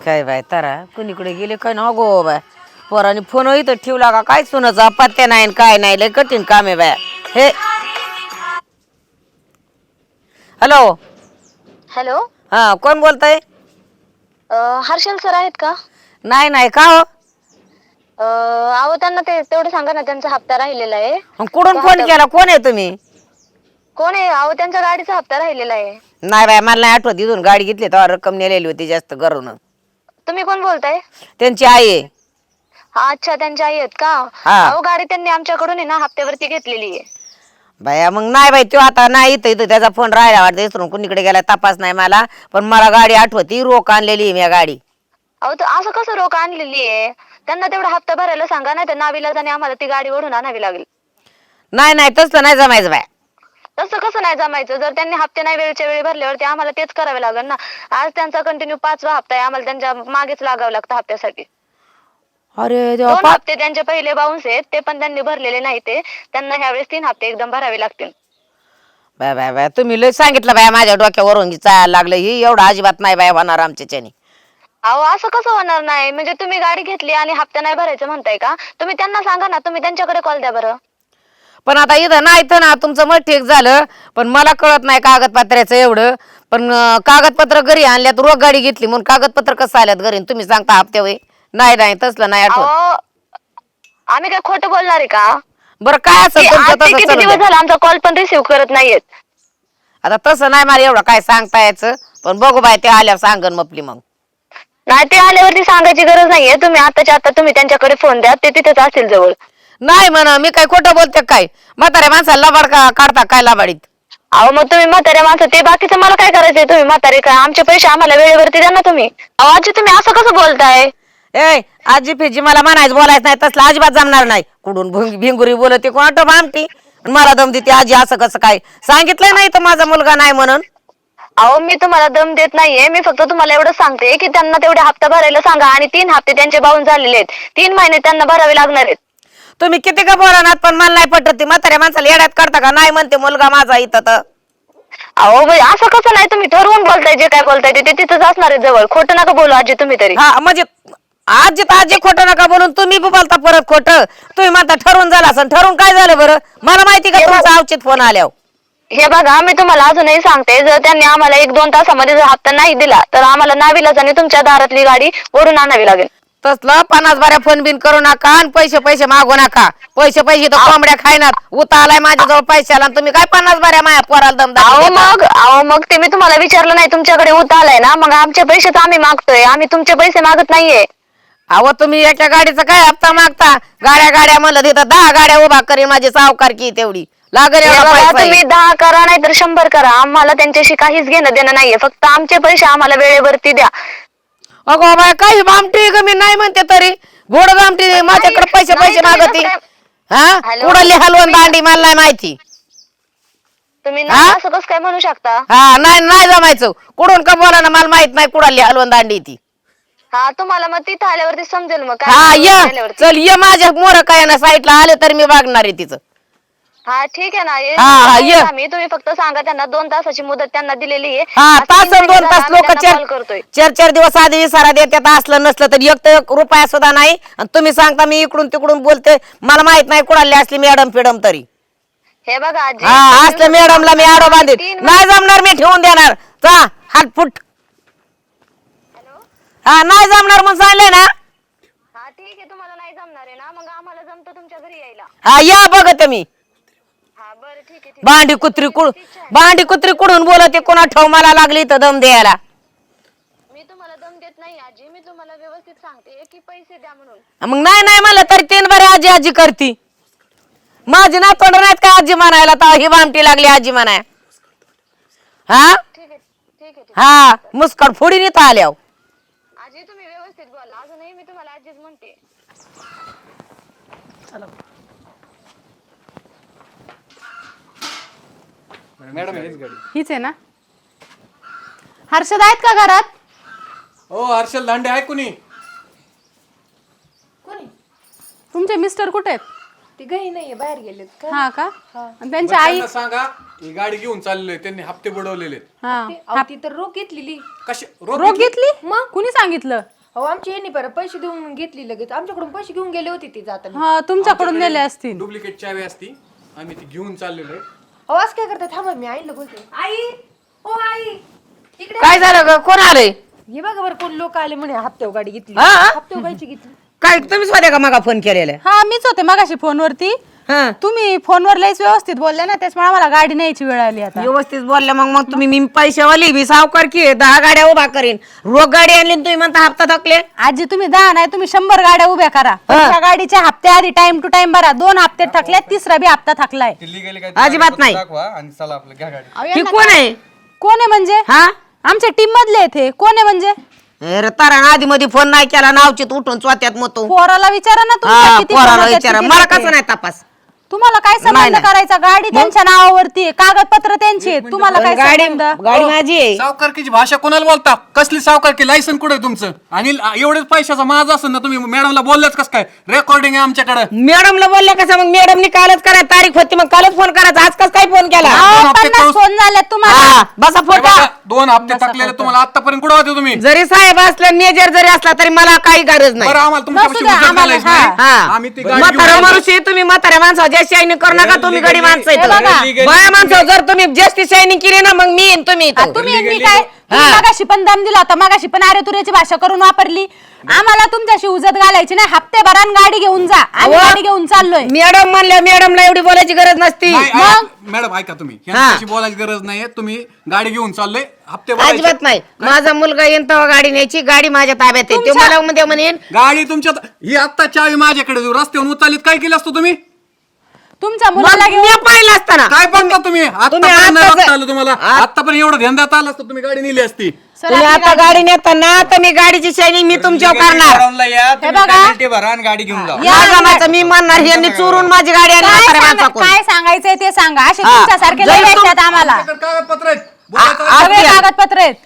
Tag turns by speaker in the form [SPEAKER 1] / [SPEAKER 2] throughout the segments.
[SPEAKER 1] काय बाय तारा कुणीकडे गेले काय ना गो बाय पोराने फोन इथं ठेवला का काय सुनाचा पत्त्या नाही आणि काय नाही लय कठीण काम आहे बाय हे. हॅलो.
[SPEAKER 2] हॅलो.
[SPEAKER 1] हा कोण बोलताय?
[SPEAKER 2] हर्षल सर आहेत का?
[SPEAKER 1] नाही नाही का हो?
[SPEAKER 2] अहो त्यांना ते तेवढं सांगा ना, त्यांचा हप्ता राहिलेला आहे.
[SPEAKER 1] कुठून फोन केला? कोण आहे तुम्ही?
[SPEAKER 2] कोण आहे? अहो त्यांच्या गाडीचा हप्ता राहिलेला आहे.
[SPEAKER 1] नाही बाय मला नाही आठवत. इथून गाडी घेतली तेव्हा रक्कम नेलेली होती जास्त करून.
[SPEAKER 2] तुम्ही कोण बोलताय?
[SPEAKER 1] त्यांची आई आहे.
[SPEAKER 2] अच्छा त्यांच्या आई आहेत का?
[SPEAKER 1] हा.
[SPEAKER 2] अहो गाडी त्यांनी आमच्याकडून आहे ना हप्त्यावरती घेतलेली आहे.
[SPEAKER 1] बाया मग नाही बाई तो आता नाही इथं इथं त्याचा फोन राहिला वाटतं इसरून कुणीकडे गेला तपास नाही मला, पण मला गाडी आठवती रोख आणलेली मी गाडी.
[SPEAKER 2] अहो तर असं कसं रोख आणलेली आहे? त्यांना तेवढा हप्ता भरायला सांगा, नाही तर नाविलाजाने आम्हाला ती गाडी ओढून आणावी लागेल.
[SPEAKER 1] नाही नाही तसं नाही जमायचं बाय.
[SPEAKER 2] तसं कसं नाही जमायचं? जर त्यांनी हप्ते नाही वेळच्या वेळी भरल्यावरती आम्हाला तेच करावे लागेल ना. आज त्यांचा कंटिन्यू 5वा हप्ता आहे, आम्हाला त्यांच्या मागेच लागावं लागतं हप्त्यासाठी.
[SPEAKER 1] अरे देवा,
[SPEAKER 2] 2 हप्ते त्यांचे पहिले बाउन्स आहेत, ते पण त्यांनी भरलेले नाही. ते त्यांना ह्यावेळेस 3 हप्ते एकदम भरावे लागतील.
[SPEAKER 1] बाय बाय बाय तुम्ही लय सांगितलं बाय माझ्या डोक्यावरून चालायला लागलं. ही एवढं अजिबात नाही बाय होणार आमच्याच्याने.
[SPEAKER 2] अहो असं कसं होणार नाही? म्हणजे तुम्ही गाडी घेतली आणि हप्ता नाही भरायचं म्हणताय का? तुम्ही त्यांना सांगा ना, तुम्ही त्यांच्याकडे कॉल द्या बरं.
[SPEAKER 1] पण आता इथं नाही तर ना तुमचं मत ठीक झालं, पण मला कळत नाही कागदपत्राचं एवढं. पण कागदपत्र घरी आणल्यात, रोख गाडी घेतली म्हणून कागदपत्र कसं आल्यात घरी? तुम्ही सांगता हप्ते वय नाही नाही तसलं नाही आठवत.
[SPEAKER 2] अहो आम्ही काय खोटं बोलणार आहे का?
[SPEAKER 1] बरं काय
[SPEAKER 2] ते
[SPEAKER 1] असं
[SPEAKER 2] आज ते किती दिवस झाला आमचा कॉल पण रिसिव्ह करत नाहीयेत.
[SPEAKER 1] आता तसं नाही मला एवढं काय सांगता यायचं, पण बघू बाय ते आल्यावर सांगन मपली मग.
[SPEAKER 2] नाही ते आल्यावरती सांगायची गरज नाहीये. तुम्ही आताच्या आता तुम्ही त्यांच्याकडे फोन द्या, ते तिथेच असतील जवळ.
[SPEAKER 1] नाही म्हणा मी काय खोटं बोलते काय? म्हाताऱ्या माणसाला लबाड काढता काय लबाडीत?
[SPEAKER 2] अहो मग तुम्ही म्हाताऱ्या माणसं, ते बाकीचं मला काय करायचंय? तुम्ही म्हातारे काय? आमचे पैसे आम्हाला वेळेवरती द्या ना तुम्ही. अहो आजी तुम्ही असं कसं बोलताय?
[SPEAKER 1] ए आजी फिजी मला म्हणायचं बोलायचं नाही, तसलं अजिबात जमणार नाही. कुठून भिंगुरी बोलते कोणाट भामटी मला दम देते आजी. असं कसं काय? सांगितलंय नाही तर माझा मुलगा नाही म्हणून.
[SPEAKER 2] अहो मी तुम्हाला दम देत नाहीये, मी फक्त तुम्हाला एवढं सांगते की त्यांना तेवढे हप्ता भरायला सांगा. आणि 3 हप्ते त्यांचे बाउन्स झालेले आहेत, 3 महिने त्यांना भरावे लागणार आहेत.
[SPEAKER 1] तुम्ही किती का बोलणार, पण मला नाही पटत. म्हाताऱ्या माणसाला येड्यात काढता का? नाही म्हणते मुलगा माझा इथं तर.
[SPEAKER 2] अहो असं कसं नाही? तुम्ही ठरवून बोलताय, जे काय बोलताय ते तिथंच असणार आहे जवळ. खोटं नका बोलू आजी तुम्ही तरी.
[SPEAKER 1] हा म्हणजे आजी तर आजी खोटं नका बोलून तुम्ही बोलता परत खोटं. तुम्ही म्हणता ठरवून झालं असं. ठरवून काय झालं बरं? मला माहिती का तुमचा अवचित फोन आल्यावर.
[SPEAKER 2] हे बघा मी तुम्हाला अजूनही सांगते, जर त्यांनी आम्हाला 1-2 तासामध्ये जर हप्ता नाही दिला तर आम्हाला नाविलाजाने तुमच्या दारातली गाडी ओढून आणावी लागेल.
[SPEAKER 1] तसलं 50 बाऱ्या फोन बिन करू नका आणि पैसे मागू नका. पैसे तर कोंबड्या खायनात. उता आलाय माझ्याजवळ पैशाला आणि तुम्ही काय 50 बाऱ्या माया पोराला दमदा.
[SPEAKER 2] अहो मग ते मी तुम्हाला विचारलं नाही, तुमच्याकडे उता आलाय ना, मग आमचे पैसे तर आम्ही मागतोय. आम्ही तुमचे पैसे मागत नाहीये.
[SPEAKER 1] अहो तुम्ही एका गाडीचा काय हप्ता मागता? गाड्या म्हणलं तिथं 10 गाड्या उभा करीन माझी सावकारकी तेवढी लागेल.
[SPEAKER 2] तुम्ही 10 करा नाही तर 100 करा, आम्हाला त्यांच्याशी काहीच घेणं देणं नाहीये. फक्त आमचे पैसे आम्हाला वेळेवरती द्या.
[SPEAKER 1] अगो बाय काही भामटी ग, मी नाही म्हणते तरी घोड भामटी माझ्याकडे पैसे मागती. हा कुडाली हलवून दांडी मला नाही माहिती.
[SPEAKER 2] तुम्ही नाही असं कसं काय म्हणू शकता?
[SPEAKER 1] हा नाही जमायचं. कुठून का बोला ना, मला माहित नाही कुडाली हलवून दांडी ती.
[SPEAKER 2] हा तुम्हाला मग तिथं आल्यावरती समजेल मग
[SPEAKER 1] हा
[SPEAKER 2] काय
[SPEAKER 1] ये चल ये माझ्या मोर काय ना साईडला आले तर मी बघणार आहे तिचं.
[SPEAKER 2] हा ठीक आहे ना,
[SPEAKER 1] ये
[SPEAKER 2] मी तुम्ही फक्त सांगा त्यांना 2 तासाची मुदत त्यांना दिलेली आहे.
[SPEAKER 1] हा तास 2 तास लोक
[SPEAKER 2] कॉल करतोय.
[SPEAKER 1] 4 दिवस आधी इशारा देतात. असलं नसलं तर 1 रुपया सुद्धा नाही. आणि तुम्ही सांगता मी इकडून तिकडून बोलते. मला माहित नाही कुणाली असली मॅडम फिडम तरी.
[SPEAKER 2] हे बघा आजी,
[SPEAKER 1] हा असलं मॅडमला मी आडो बांधीन. नाही जमणार, मी ठेवून देणार. चा हात फुट. हा नाही जमणार म्हणून सांगले ना.
[SPEAKER 2] हा ठीक आहे, तुम्हाला नाही जमणार आहे ना, मग आम्हाला जमतं तुमच्या घरी यायला.
[SPEAKER 1] हा या बघत मी.
[SPEAKER 2] हा बरं ठीक आहे.
[SPEAKER 1] भांडी कुत्री कुडून बोलते कोणा ठेव मला लागली तर दम द्यायला.
[SPEAKER 2] मी तुम्हाला दम देत नाही आजी, मी तुम्हाला व्यवस्थित सांगते की पैसे द्या म्हणून.
[SPEAKER 1] मग नाही मला तरी 3 बारे आजी करती. माझी ना तोंड नाहीत का आजी म्हणायला? तर ही भामटी लागली आजी म्हणाय. हा
[SPEAKER 2] ठीक आहे.
[SPEAKER 1] हा मुस्कड फोडीन इथं आल्यावर.
[SPEAKER 2] आजी तुम्ही व्यवस्थित बोला, अजूनही मी तुम्हाला आजीच म्हणते.
[SPEAKER 3] मॅडम हीच गाडी.
[SPEAKER 4] हीच आहे ना? हर्षद आहेत का घरात?
[SPEAKER 3] ओ हर्षल दांडे आहे कुणी?
[SPEAKER 4] तुमचे मिस्टर कुठे आहेत?
[SPEAKER 5] ती घरी नाहीये, बाहेर गेलेत का?
[SPEAKER 4] हा का? आणि त्यांची आई?
[SPEAKER 3] त्यांना सांगा ही गाडी घेऊन चाललोय, त्यांनी हप्ते बुडवलेले.
[SPEAKER 4] हा
[SPEAKER 5] अहो, ती तर रोख घेतलेली.
[SPEAKER 3] कशी
[SPEAKER 4] रोग घेतली? मग कुणी सांगितलं?
[SPEAKER 5] हो आमची यांनी परत पैसे देऊन घेतली लगेच आमच्याकडून पैसे घेऊन गेले होते ते जाताना.
[SPEAKER 4] हा तुमच्याकडून दिले असतील.
[SPEAKER 3] डुप्लिकेट चावी असती आम्ही ती घेऊन चाललेलो आहे.
[SPEAKER 5] हो असं काय करतात थांबा मी आईला बोलते. आई ओ आई इकडे
[SPEAKER 1] काय झालं ग? कोण आलंय?
[SPEAKER 5] हे बघा बरं कोण लोक आले म्हणे हप्त्यावर गाडी घेतली.
[SPEAKER 1] हा?
[SPEAKER 5] हप्त्यावर गायची घेतली.
[SPEAKER 1] काय तुम्हीच होते का मगा फोन केलेला?
[SPEAKER 4] हा मीच होते मगाशी फोनवरती.
[SPEAKER 1] हा.
[SPEAKER 4] तुम्ही फोनवर लयच व्यवस्थित बोलले ना त्याच्यामुळे आम्हाला गाडी न्यायची वेळ आली आता.
[SPEAKER 1] व्यवस्थित बोलल्या मग तुम्ही मी पैशावाली मी सावकार की 10 गाड्या उभा करीन. रोग गाडी आणली आणि तुम्ही म्हणता हप्ता थकले.
[SPEAKER 4] आजी तुम्ही 10 नाही तुम्ही 100 गाड्या उभ्या करा. त्या गाडीच्या हप्ते आधी टाइम टू टाइम भरा. 2 हप्ते थकले, तिसरा बी हप्ता थकलाय.
[SPEAKER 1] अजिबात नाही.
[SPEAKER 3] दाखवा आणि चला आपलं घ्या गाडी.
[SPEAKER 4] अहो,
[SPEAKER 1] ही
[SPEAKER 4] यांना
[SPEAKER 1] कोण आहे?
[SPEAKER 4] कोण आहे म्हणजे?
[SPEAKER 1] हा
[SPEAKER 4] आमच्या टीम मधले आहेत हे. कोण आहे म्हणजे?
[SPEAKER 1] अरे तारा आधी मध्ये फोन नाही केला नावचित उठून चोत्यात मतो.
[SPEAKER 4] पोराला विचारा ना
[SPEAKER 1] हा
[SPEAKER 4] तुमच्या किती
[SPEAKER 1] पोराला
[SPEAKER 4] फोन होतात,
[SPEAKER 1] विचारा.
[SPEAKER 4] किती
[SPEAKER 1] मला
[SPEAKER 4] होते.
[SPEAKER 1] कसं नाही तपास.
[SPEAKER 4] तुम्हाला काय संबंध
[SPEAKER 1] नाही.
[SPEAKER 4] करायचा? गाडी त्यांच्या नावावरती आहे, कागदपत्र त्यांची आहेत. तुम्हाला काय
[SPEAKER 1] गाडी
[SPEAKER 4] संबंध?
[SPEAKER 1] गाडी माझी आहे.
[SPEAKER 3] सावकारकीची भाषा कोणाला बोलता? कसली सावकारकी? लायसन कुठे आहे तुमचं? आणि एवढेच पैशाचा माझा असेल ना तुम्ही मॅडमला बोललेच कसं काय? रेकॉर्डिंग आहे आमच्याकडे.
[SPEAKER 1] मॅडमला बोलल्या कसं? मग मॅडमनी कालच करा तारीख होती मग कालच फोन करायचा. आज कस काय फोन केला?
[SPEAKER 4] अहो,
[SPEAKER 3] हप्ते
[SPEAKER 4] 50
[SPEAKER 3] करून-
[SPEAKER 4] फोन झाले तुम्हाला.
[SPEAKER 1] हा बसा फोन करा.
[SPEAKER 3] 2 हप्ते थकलेले तुम्हाला आतापर्यंत कुठे होते तुम्ही?
[SPEAKER 1] जरी साहेब असला मेजर जरी असला तरी मला काही गरज नाही.
[SPEAKER 3] बरं आम्हाला तुमच्यापाशी
[SPEAKER 4] नसू द्या,
[SPEAKER 3] उचल
[SPEAKER 4] आम्हाला-
[SPEAKER 3] घालायची नाही.
[SPEAKER 1] हा.
[SPEAKER 3] आम्ही ती गाडी
[SPEAKER 1] म्हातारा
[SPEAKER 3] घेऊन-
[SPEAKER 1] माणूस तुम्ही म्हाताऱ्या माणसाच्या शाईनी करू नका. तुम्ही गडी माणसं
[SPEAKER 4] हे बघा.
[SPEAKER 1] आहेत. बाया माणसं जर तुम्ही जास्ती शाईनी केली ना मग मी येईन तुम्ही इथं.
[SPEAKER 4] तुम्ही यांनी काय तुम्ही मगाशी पण दम दिला होता. मगाशी पण अरे तुऱ्याची भाषा करून वापरली. आम्हाला तुमच्याशी उजत घालायची नाही. हप्ते भरान गाडी घेऊन जा. आम्ही
[SPEAKER 1] अहो.
[SPEAKER 4] गाडी घेऊन चाललोय.
[SPEAKER 1] मॅडम म्हणल्या मॅडमला एवढी बोलायची गरज नसती.
[SPEAKER 3] नाही,
[SPEAKER 1] मग
[SPEAKER 3] मॅडम ऐका तुम्ही यांच्याशी बोलायची गरज नाहीये. तुम्ही गाडी घेऊन चालले हप्ते भरायचे.
[SPEAKER 1] अजिबात नाही. माझा मुलगा येईन तेव्हा गाडी न्यायची. गाडी माझ्या ताब्यात आहे. ते मला मध्ये म्हणेन
[SPEAKER 3] गाडी तुमच्या ही आत्ता चावी माझ्याकडे देऊ. रस्त्यावरून उचललीत काय केलं असतं तुम्ही?
[SPEAKER 4] तुमच्या
[SPEAKER 1] मग
[SPEAKER 4] मुलाला
[SPEAKER 1] मी
[SPEAKER 4] घेऊन
[SPEAKER 1] पाहिलं असताना
[SPEAKER 3] काय बघता तुम्ही? आतापर्यंत नाही
[SPEAKER 1] आताच-
[SPEAKER 3] बघता आलं तुम्हाला. आतापर्यंत एवढं ध्यान देता आलं असतं तुम्ही गाडी नेली असती.
[SPEAKER 4] सर,
[SPEAKER 1] तुम्ही
[SPEAKER 4] आपली
[SPEAKER 1] आता गाडी नेताना तर मी गाडीची शायनिंग मी तुमच्यावर करणार.
[SPEAKER 4] हे बघा.
[SPEAKER 6] भरा आणि गाडी घेऊन जा.
[SPEAKER 1] नाही जमायचं. मी म्हणणार यांनी चोरून माझी गाडी आणली म्हाताऱ्या माणसाकडून.
[SPEAKER 4] काय सांगायचंय ते सांगा. असे
[SPEAKER 1] हा.
[SPEAKER 4] तुमच्यासारखे
[SPEAKER 1] जरी
[SPEAKER 4] लय
[SPEAKER 1] तुम-
[SPEAKER 4] भेटतात आम्हाला.
[SPEAKER 3] आमच्याकडे कागदपत्र आहेत.
[SPEAKER 4] सगळे कागदपत्र आहेत.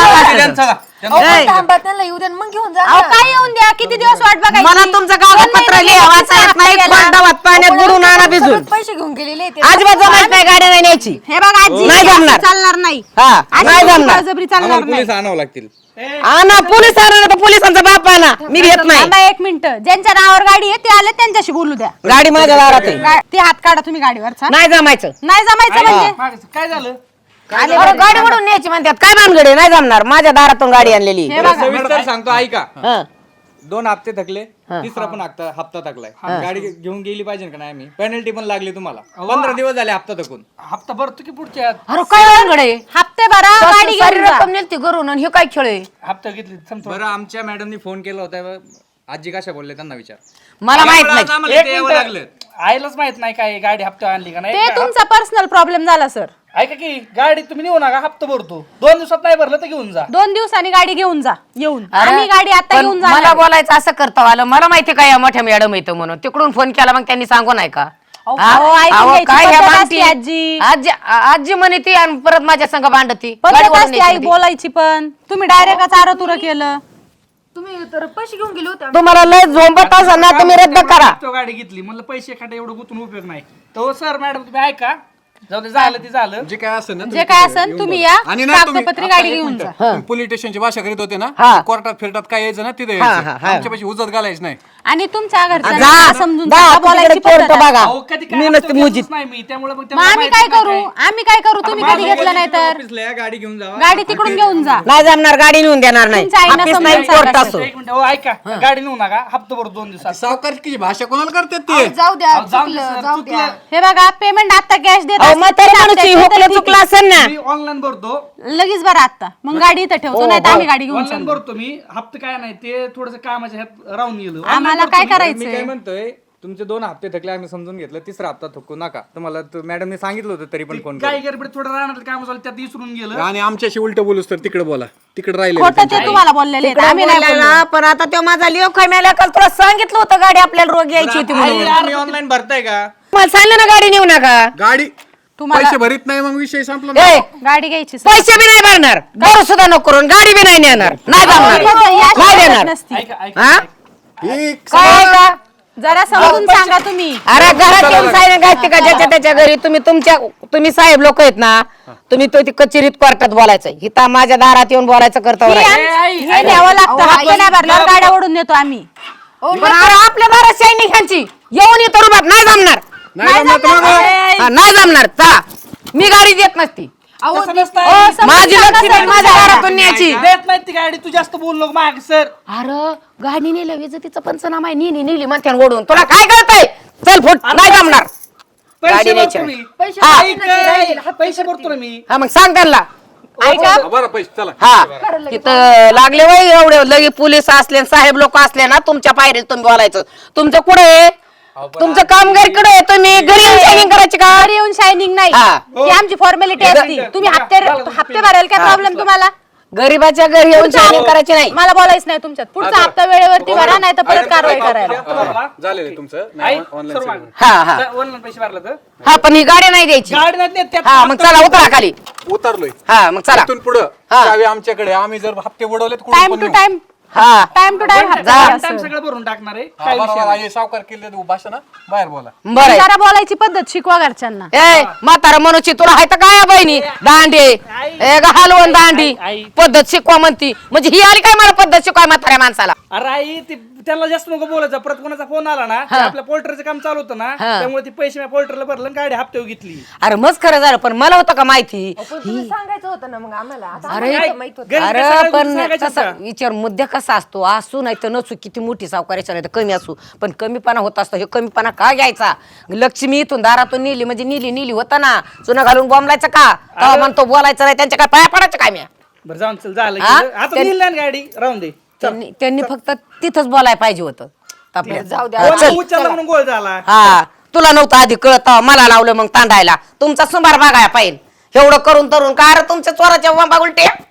[SPEAKER 5] अहो, पण थांबा त्यांना येऊ द्या मग घेऊन जा.
[SPEAKER 4] अहो काय येऊन द्या. किती दिवस वाट बघायची?
[SPEAKER 1] मला तुमचं कागदपत्र
[SPEAKER 4] 2 महिने
[SPEAKER 1] लिहा
[SPEAKER 4] गेले,
[SPEAKER 1] वाचा
[SPEAKER 4] तिसरा
[SPEAKER 1] येत
[SPEAKER 4] हप्ता
[SPEAKER 1] नाही.
[SPEAKER 4] गेला.
[SPEAKER 1] गावात पाण्यात बुडून आणा भिजून.
[SPEAKER 5] सगळं पैसे घेऊन गेलेले ते.
[SPEAKER 1] अजिबात जमायचं नाही. गाडी नाही न्यायची.
[SPEAKER 4] हे बघा आजी
[SPEAKER 1] नाही
[SPEAKER 4] हे असं
[SPEAKER 1] जमणार.
[SPEAKER 4] चालणार नाही.
[SPEAKER 1] हा
[SPEAKER 4] अशी
[SPEAKER 1] नाही जमणार.
[SPEAKER 4] बळजबरी चालणार
[SPEAKER 6] आम्हाला
[SPEAKER 4] नाही.
[SPEAKER 6] पोलीस आणावं लागतील.
[SPEAKER 1] आणा पोलीस आणा तर पोलिसांचा बाप आणा. मी घेत नाही.
[SPEAKER 4] थांबा 1 मिनिट. ज्यांच्या नावावर गाडी आहे ते आले त्यांच्याशी बोलू द्या.
[SPEAKER 1] गाडी माझ्या दारात आहे.
[SPEAKER 4] ते हात काढा तुम्ही गाडीवरचा.
[SPEAKER 1] नाही जमायचं.
[SPEAKER 4] नाही जमायचं म्हणजे
[SPEAKER 6] काय झालं?
[SPEAKER 1] अरे गाडी ओढून न्यायची म्हणतात. काय भानगडे? नाही जमणार. माझ्या दारातून गाडी आणलेली.
[SPEAKER 4] हे बघा.
[SPEAKER 6] सविस्तर सांगतो ऐका.
[SPEAKER 1] हा.
[SPEAKER 6] 2 हप्ते थकले, तिसरा पण हप्ता थकलाय. गाडी घेऊन गेली पाहिजे का नाही? आम्ही पेनल्टी पण लागली तुम्हाला. 15 दिवस झाले हप्ता थकून.
[SPEAKER 7] हप्ता भरतो की पुढच्या
[SPEAKER 1] अरे काय भानगडे?
[SPEAKER 4] हप्ते भरा गाडी घेऊन
[SPEAKER 1] सारी
[SPEAKER 4] जा.
[SPEAKER 1] रक्कम नेलती घरून आणि हे काय खेळ आहे?
[SPEAKER 7] हप्ता घेतली समजा.
[SPEAKER 6] बरं आमच्या मॅडमनी फोन केला होता. आजी कशा बोलले त्यांना विचार.
[SPEAKER 1] मला माहित नाही.
[SPEAKER 6] आम्हाला इथे यावं लागलं.
[SPEAKER 7] आईलाच माहित नाही काय गाडी हप्ता आणली का
[SPEAKER 4] ते
[SPEAKER 7] नाही.
[SPEAKER 4] तुमचा पर्सनल प्रॉब्लेम झाला सर.
[SPEAKER 7] ऐका की गाडी तुम्ही नेऊ नका हप्ता भरतो. 2 दिवसात नाही भरलं तर घेऊन जा.
[SPEAKER 4] 2 दिवसांनी गाडी घेऊन जा. येऊन
[SPEAKER 1] अरे,
[SPEAKER 4] आम्ही गाडी आता
[SPEAKER 1] पण
[SPEAKER 4] घेऊन
[SPEAKER 1] मला
[SPEAKER 4] जा.
[SPEAKER 1] बोलायचं असं करता आलं. मला माहिती काय या मोठ्या मॅडम येतं म्हणून तिकडून फोन केला मग त्यांनी सांगू नाही का? हा?
[SPEAKER 4] अहो, ऐकून
[SPEAKER 1] अहो,
[SPEAKER 4] घ्यायची
[SPEAKER 1] काय ह्या
[SPEAKER 4] पद्धत
[SPEAKER 1] भांडती?
[SPEAKER 4] असते, आजी.
[SPEAKER 1] आजी आजी म्हणे ती आणि परत माझ्या संग भांडती.
[SPEAKER 4] पद्धत
[SPEAKER 1] गाडीवरून
[SPEAKER 4] असते आई
[SPEAKER 1] न्यायची होती.
[SPEAKER 4] बोलायची पण. तुम्ही डायरेक्ट चारतुर केलं.
[SPEAKER 5] तुम्ही तर पैसे घेऊन गेले होते.
[SPEAKER 1] तुम्हाला लय झोंबत असेल ना तुम्ही रद्द करा.
[SPEAKER 7] हप्त्यावर गाडी घेतली म्हणलं पैसे खाटे एवढं गुंतून उपयोग नाही. तो सर मॅडम तुम्ही ऐका. जाऊ दे झालं ते झालं.
[SPEAKER 3] जे काय असेल ना
[SPEAKER 4] जे काय असेल तुम्ही या
[SPEAKER 3] आणि ना तुम्ही-
[SPEAKER 4] कागदपत्री
[SPEAKER 3] आता
[SPEAKER 4] गाडी
[SPEAKER 3] एक
[SPEAKER 4] घेऊन
[SPEAKER 3] मिनिटं.
[SPEAKER 4] जा.
[SPEAKER 3] तुम्ही पोलीस स्टेशनची भाषा करीत होते ना
[SPEAKER 1] हा.
[SPEAKER 3] कोर्टात फिरतात काय यायचं ना तिथे
[SPEAKER 1] हा,
[SPEAKER 3] यायचं.
[SPEAKER 1] हा.
[SPEAKER 3] आमच्यापाशी उजत घालायच नाही.
[SPEAKER 4] आणि तुमच्या घरच्यांना
[SPEAKER 1] जा
[SPEAKER 4] समजून
[SPEAKER 1] जा,
[SPEAKER 4] सांगा, बोलायची
[SPEAKER 1] तिकडे
[SPEAKER 4] पद्धत
[SPEAKER 1] कोर्ट
[SPEAKER 4] आहे.
[SPEAKER 1] बघा.
[SPEAKER 7] अहो, कधी काय
[SPEAKER 1] मी
[SPEAKER 7] हप्ता
[SPEAKER 1] नसते
[SPEAKER 7] घेतलंच
[SPEAKER 1] मुजीत.
[SPEAKER 7] नाही मी त्यामुळे मग
[SPEAKER 4] मग
[SPEAKER 7] त्यांना
[SPEAKER 4] आम्ही
[SPEAKER 7] माहिती
[SPEAKER 4] काय
[SPEAKER 7] नाही
[SPEAKER 4] करू? आम्ही काय करू? तुम्ही कधी घेतलं नाही तर
[SPEAKER 6] ऑफिसला या, गाडी घेऊन जावा.
[SPEAKER 4] गाडी तिकडून घेऊन जा.
[SPEAKER 1] नाही जमणार. गाडी नेऊन देणार नाही.
[SPEAKER 4] तुमच्या आईनं
[SPEAKER 1] ऑफिस
[SPEAKER 4] समजून
[SPEAKER 1] नाही कोर्ट
[SPEAKER 4] सांगा.
[SPEAKER 1] असो.
[SPEAKER 7] एक मिनिट हो ऐका गाडी नेऊ नका हप्ता भरतो 2 दिवसात.
[SPEAKER 3] सावकारकीची भाषा कोणाला करतात ते?
[SPEAKER 5] जाऊ द्या
[SPEAKER 7] अहो, जाऊ दे
[SPEAKER 5] चुकलं
[SPEAKER 7] सर,
[SPEAKER 5] जाऊ द्या.
[SPEAKER 7] चुकलं.
[SPEAKER 4] हे बघा पेमेंट आता कॅश देत
[SPEAKER 1] अहो
[SPEAKER 4] असतील,
[SPEAKER 1] म्हातारी
[SPEAKER 4] ते
[SPEAKER 1] माणूस
[SPEAKER 4] हप्त्याचे
[SPEAKER 1] हुकलं
[SPEAKER 4] तर
[SPEAKER 1] चुकलं असेल ना.
[SPEAKER 7] मी ऑनलाईन भरतो.
[SPEAKER 4] लगेच बरं आता मग गाडी इथं ठेवतो नाही तर आम्ही गाडी घेऊन
[SPEAKER 7] ऑनलाईन
[SPEAKER 4] चाललो.
[SPEAKER 7] भरतो मी. हप्ता काय नाही ते थोडस कामाच्या ह्यात राहून गेलो.
[SPEAKER 4] आम्हाला काय
[SPEAKER 6] मी काय
[SPEAKER 4] करायचंय?
[SPEAKER 6] म्हणतोय तुमचे 2 हप्ते थकले आम्ही समजून घेतलं. तिसरा हप्ता थकू नका. तुम्हाला मॅडमने सांगितलं होतं तरी पण फोन
[SPEAKER 7] काही गडबड थोडं राहणार काम झालं त्यात विसरून गेलं.
[SPEAKER 3] आणि आमच्याशी उलट बोलूस तर तिकडे बोला. तिकडे राहिले
[SPEAKER 4] खोटं ते तुम्हाला बोललेले आहेत, आम्ही नाही बोललो.
[SPEAKER 1] बोललेला, पण आता तो माझा लिओ खायला काल तुला सांगितलं होतं गाडी आपल्याला रोग यायची होती म्हणून.
[SPEAKER 6] तुम्ही ऑनलाईन भरताय का?
[SPEAKER 1] मला सांगितलं ना गाडी नेऊ नका.
[SPEAKER 3] गाडी
[SPEAKER 4] तुम्हाला-
[SPEAKER 3] पैसे भरीत नाही मग विषय संपला ना.
[SPEAKER 1] ए,
[SPEAKER 4] गाडी घ्यायची सर.
[SPEAKER 1] पैसे बी नाही भरणार. दारू सुद्धा नको करून गाडी बी नाही नेणार. नाही जमणार.
[SPEAKER 4] या
[SPEAKER 1] नाही
[SPEAKER 4] शिवाय
[SPEAKER 1] देणार.
[SPEAKER 4] नसती.
[SPEAKER 7] ऐका ऐका
[SPEAKER 1] हा?
[SPEAKER 3] ही
[SPEAKER 1] काय आहे का?
[SPEAKER 4] जरा समजून सांगा तुम्ही.
[SPEAKER 1] अरे घरात येऊन साहेब घालते का ज्याच्या त्याच्या घरी? तुम्ही साहेब लोक आहेत ना, तुम्ही तो ती कचेरीत कोर्टात बोलायचं, हिता माझ्या दारात येऊन बोलायचं करतो.
[SPEAKER 4] हे न्यावं लागतं. हप्ते नाही भरल्यावर गाड्या ओढून नेतो आम्ही.
[SPEAKER 1] पण अरे आपल्या दारात सैनिकांची येऊन येतो रुबाब नाही जमणार. नाही जमणार. चला मी गाडी देत नसती.
[SPEAKER 7] तसं नसतं.
[SPEAKER 1] माझी लक्ष्मी बाई माझ्या दारातून न्यायची.
[SPEAKER 7] देत नाही ती गाडी, तू जास्त बोल नको माग सर.
[SPEAKER 1] अरे गाडी नेल्या विजेतीचा पंचनामा आहे, नेली म्हणते ओढून. तुला काय कळतंय? चल फुट, नाही जमणार.
[SPEAKER 7] पैसे
[SPEAKER 1] गाडी न्यायची.
[SPEAKER 7] भरतो मी.
[SPEAKER 5] पैसे
[SPEAKER 1] हा.
[SPEAKER 7] पैसे भरतो ना मी.
[SPEAKER 1] हा मग सांग त्यांना.
[SPEAKER 4] ऐका
[SPEAKER 3] बरं पैसे चला.
[SPEAKER 1] हा तिथं लागले वय एवढे लगे पोलीस असले साहेब लोक असले ना तुमच्या पायरीत तुम्ही बोलायचं. तुमचं कुठे आहे? तुमचं काम घरीकडे आहे, तुम्ही घरी येऊन शायनिंग करायची का?
[SPEAKER 4] घरी येऊन शायनिंग नाही,
[SPEAKER 1] हा.
[SPEAKER 4] ही आमची फॉर्मॅलिटी असती. तुम्ही हप्ते भरायला काय प्रॉब्लेम तुम्हाला?
[SPEAKER 1] गरीबाच्या घरी येऊन शायनिंग करायची नाही.
[SPEAKER 4] मला बोलायच नाही तुमच्यात. पुढचा हप्ता वेळेवरती भरा, नाही तर परत कारवाई करायला.
[SPEAKER 3] झालेलं तुमचं
[SPEAKER 7] आई,
[SPEAKER 3] ऑनलाईन
[SPEAKER 7] सर्व मागं.
[SPEAKER 1] हा हा
[SPEAKER 7] ऑनलाईन पैसे भरला तर
[SPEAKER 1] हा पण ही गाडी नाही द्यायची.
[SPEAKER 7] गाडी नाही देत, त्यात
[SPEAKER 1] हा मग चला उतरा खाली.
[SPEAKER 3] उतरलोय.
[SPEAKER 1] हा मग चला.
[SPEAKER 3] इथून पुढं
[SPEAKER 1] हा.
[SPEAKER 3] चावी आमच्याकडे. आम्ही जर हप्ते बुडवलेत कुठून
[SPEAKER 4] टाइम
[SPEAKER 3] पण
[SPEAKER 4] टू
[SPEAKER 3] नेऊ.
[SPEAKER 4] टाइम
[SPEAKER 1] हा
[SPEAKER 4] टाइम टू टाइम हप्ता भरा.
[SPEAKER 7] टाइम सगळं भरून टाकणार आहे.
[SPEAKER 3] हा,
[SPEAKER 7] काय
[SPEAKER 3] बरोबर
[SPEAKER 7] विषय
[SPEAKER 3] आहे. सावकार केले भाषण बाहेर बोला.
[SPEAKER 1] बरं आहे.
[SPEAKER 4] जरा बोलायची पद्धत शिकवा घरच्यांना.
[SPEAKER 1] ए म्हातारा मनुष्य तुला हाय तर काय बहिणी दांडी ए ग हलवून दांडी
[SPEAKER 7] आई.
[SPEAKER 1] पद्धत शिकवा म्हणती म्हणजे ही आली काय मला पद्धत शिकवाय म्हाताऱ्या माणसाला.
[SPEAKER 7] अरे आई ते त्यांना जास्त नको बोलायचं. परत कोणाचा फोन आला ना की आपल्या पोल्ट्रीचं काम चालू होतं ना, त्यामुळे ती पैसे मी पोल्ट्रीला भरलं आणि गाडी हप्त्यावर घेतली.
[SPEAKER 1] अरे मस्त खरं झालं पण मला होतं का माहिती.
[SPEAKER 5] पण तुम्ही सांगायचं होतं ना मग आम्हाला. आता
[SPEAKER 1] अरे
[SPEAKER 5] आम्हाला माहित होतं.
[SPEAKER 7] घरी
[SPEAKER 1] अरे
[SPEAKER 7] सगळ्या गोष्टी
[SPEAKER 1] पण
[SPEAKER 7] सांगायच्या
[SPEAKER 1] तसा
[SPEAKER 7] होत्या.
[SPEAKER 1] विचार मुद्दा कसा असतो असू नाही तर नसू किती मोठी सावकाराच्या नाही तर कमी असू पण कमीपणा होत असतो. हे कमीपणा का घ्यायचा? लक्ष्मी इथून दारातून नेली म्हणजे नेली होता ना चुना घालून बोंबलायचं का? तेव्हा म्हणतो बोलायचं नाही त्यांच्या काय पाया पडायचं काय मी.
[SPEAKER 7] बरं जाऊन चल झालं
[SPEAKER 1] हा?
[SPEAKER 7] गेलं. आता नेली ना गाडी राहून दे.
[SPEAKER 1] त्यांनी फक्त तिथंच बोलायला पाहिजे होतं. आपल्या
[SPEAKER 5] जाऊ द्या.
[SPEAKER 1] हा, चल.
[SPEAKER 7] उचलला म्हणून गोळ झाला.
[SPEAKER 1] हा तुला नव्हतं आधी कळत मला लावलं मग तांडायला. तुमचा सुंबार बघायला पाहिजे. एवढं करून तरून का? अरे तुमच्या चोराच्या बाबा उलटे